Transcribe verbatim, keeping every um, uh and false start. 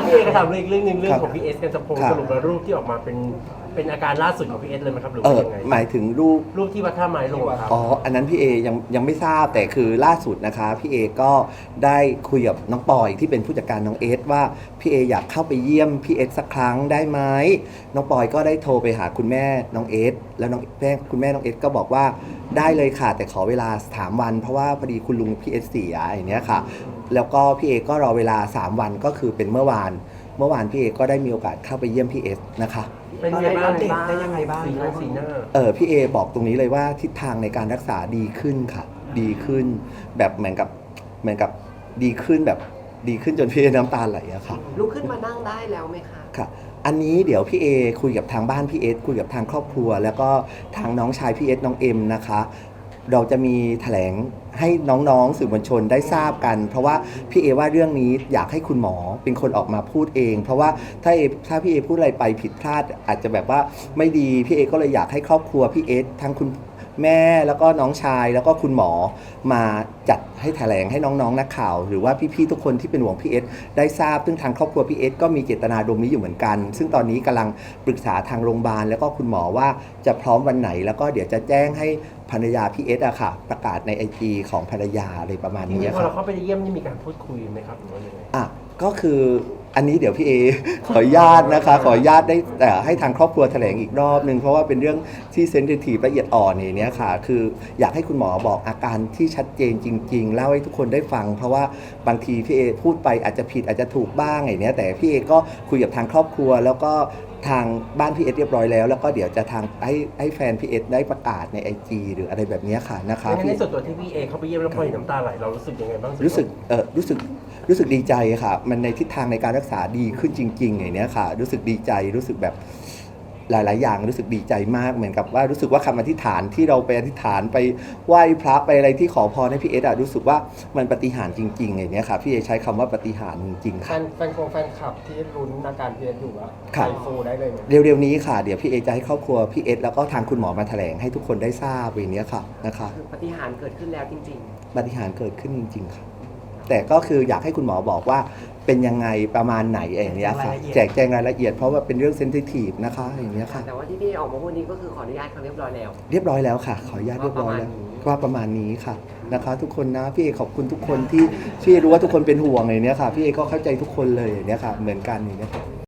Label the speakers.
Speaker 1: พี่เอก็ถามเรื่องอีกเรื่องหนึงเรื่องของพี่เอสกันสะพง
Speaker 2: ครับ
Speaker 1: สรุปแล้วรูปที่ออกมาเป็นเป็นอาการล่าสุดของพี่เอสเลยไหมครับหรือ
Speaker 2: เอ
Speaker 1: ว่า
Speaker 2: อ
Speaker 1: ยังไง
Speaker 2: หมายถึงรูป
Speaker 1: รูปที่วัดท่าไม้ลงครับ
Speaker 2: อ๋อ อันนั้นพี่เอยังยังไม่ทราบแต่คือล่าสุดนะคะพี่เอก็ได้คุยกับน้องปอยที่เป็นผู้จัดการน้องเอสว่าพี่เออยากเข้าไปเยี่ยมพี่เอสสักครั้งได้ไหมน้องปอยก็ได้โทรไปหาคุณแม่น้องเอสแล้วน้องแม่คุณแม่น้องเอสก็บอกว่าได้เลยค่ะแต่ขอเวลาสามวันเพราะว่าพอดีคุณลุงพี่เอสเสียอย่างเนี้ยค่ะแล้วก็พี่เอก็รอเวลาสามวันก็คือเป็นเมื่อวานเมื่อวานพี่เอก็ได้มีโอกาสเข้าไปเยี่ยมพี่เอสนะคะ
Speaker 1: เป็นยังไงบ้าง
Speaker 3: เด็กได้ยังไงบ้าง
Speaker 1: สีหน้าสีหน้า
Speaker 2: เออพี่เอบอกตรงนี้เลยว่าทิศทางในการรักษาดีขึ้นค่ะ ดีขึ้นแบบเหมือนกับเหมือนกับดีขึ้นแบบดีขึ้นจนพี่เอน้ำตาไหลอะค่ะ
Speaker 3: ลุกขึ้นมานั่งได้แล้วไหมคะ
Speaker 2: ค่ะ อันนี้เดี๋ยวพี่เอคุยกับทางบ้านพี่เอสคุยกับทางครอบครัว แล้วก็ทางน้องชายพี่เอสน้องเอ็มนะคะเราจะมีแถลงให้น้องๆสื่อมวลชนได้ทราบกัน เพราะว่าพี่เอว่าเรื่องนี้อยากให้คุณหมอเป็นคนออกมาพูดเอง เพราะว่าถ้าเอถ้าพี่เอพูดอะไรไปผิดพลาดอาจจะแบบว่าไม่ดีพี่เอก็เลยอยากให้ครอบครัวพี่เอสทั้งคุณแม่แล้วก็น้องชายแล้วก็คุณหมอมาจัดให้แถลงให้น้องๆนักข่าวหรือว่าพี่ๆทุกคนที่เป็นห่วงพี่เอสได้ทราบซึ่งทางครอบครัวพี่เอสก็มีเจตนาดมนี้อยู่เหมือนกัน ซึ่งตอนนี้กำลังปรึกษาทางโรงพยาบาลแล้วก็คุณหมอว่าจะพร้อมวันไหนแล้วก็เดี๋ยวจะแจ้งให้ภรรยาพี่เอสอะค่ะประกาศในไอจีของภรรยาอะไรประมาณ
Speaker 1: จริ
Speaker 2: นี้
Speaker 1: งๆพอ
Speaker 2: ค่ะ
Speaker 1: เราเข้าไปเยี่ยมนี่มีการพูดคุยไหมครับหรือว่ายังไง
Speaker 2: อ่ะก็คืออันนี้เดี๋ยวพี่เอ ขออนุญาตนะคะขออนุญาตได้แต่ให้ทางครอบครัวแถลงอีกรอบนึงเพราะว่าเป็นเรื่องที่เซนซิทีฟละเอียดอ่อนอย่างเนี้ยค่ะคืออยากให้คุณหมอบอกอาการที่ชัดเจนจริงๆเล่าให้ทุกคนได้ฟัง เพราะว่าบางทีพี่เอพูดไปอาจจะผิดอาจจะถูกบ้างอย่างเนี้ยแต่พี่เอก็คุยกับทางครอบครัวแล้วก็ทางบ้านพี่เอสเรียบร้อยแล้วแล้วก็เดี๋ยวจะทางให้ให้แฟนพี่เอสได้ประกาศในไอจีหรืออะไรแบบเนี้ยค่ะนะคะ
Speaker 1: งั้นในส่วนตัวที่พี่เอเข้าไปเยี่ยมแล้วพอเห็นน้ำตาไหลเรารู้สึกยังไงบ้าง
Speaker 2: รู้สึกเออรู้สึกรู้สึกดีใจค่ะมันในทิศทางในการรักษาดีขึ้นจริงๆอย่างเนี้ยค่ะรู้สึกดีใจรู้สึกแบบหลายๆอย่างรู้สึกดีใจมากเหมือนกับว่ารู้สึกว่าคำอธิษฐานที่เราไปอธิษฐานไปไหว้พระไปอะไรที่ขอพรให้พี่เอสอะรู้สึกว่ามันปาฏิหาริย์จริงๆอย่างเนี้ยค่ะพี่เอใช้คำว่าปาฏิหาริย์จริงๆ
Speaker 4: แฟ
Speaker 2: ค่ะ
Speaker 4: นแฟนคงแฟนคลับที่ลุ้นอาการพีเอสอยู่ว่า
Speaker 2: ครับ
Speaker 4: ไอฟูได้เลยไหม
Speaker 2: เร็วๆนี้ค่ะเดี๋ยวพี่เอจะให้ครอบครัวพี่เอสแล้วก็ทางคุณหมอมาแถลงให้ทุกคนได้ทราบอย่างเนี้ยค่ะนะคะ
Speaker 3: คือปฏิหารย์เกิดขึ้นแล้วจริง
Speaker 2: ปาฏิหาริย์เกิดขึ้นจริงๆค่ะแต่ก็คืออยากให้คุณหมอบอกว่าเป็นยังไงประมาณไหนอย่างเนี้ยค่ะแจกแจงรายละเอียดเพราะว่าเป็นเรื่องเซนซิทีฟนะคะอย่างเนี้ยค่ะ
Speaker 3: ๆ แต่ว่าที่พี่ออกมาพูดนี้ก็คือขออนุญาตเขาเรียบร้อยแล้ว
Speaker 2: เรียบร้อยแล้วค่ะ ขออนุญาตเรียบร้อยแล้วว่าประมาณนี้ค่ะนะคะ ทุกคนนะพี่เอขอบคุณทุกคนที่พี่เอรู้ว่าทุกคนเป็นห่วงอย่างเนี้ยค่ะพี่เอก็เข้าใจทุกคนเลยอย่างเนี้ยค่ะเหมือนกันอย่างเนี้ยค่ะ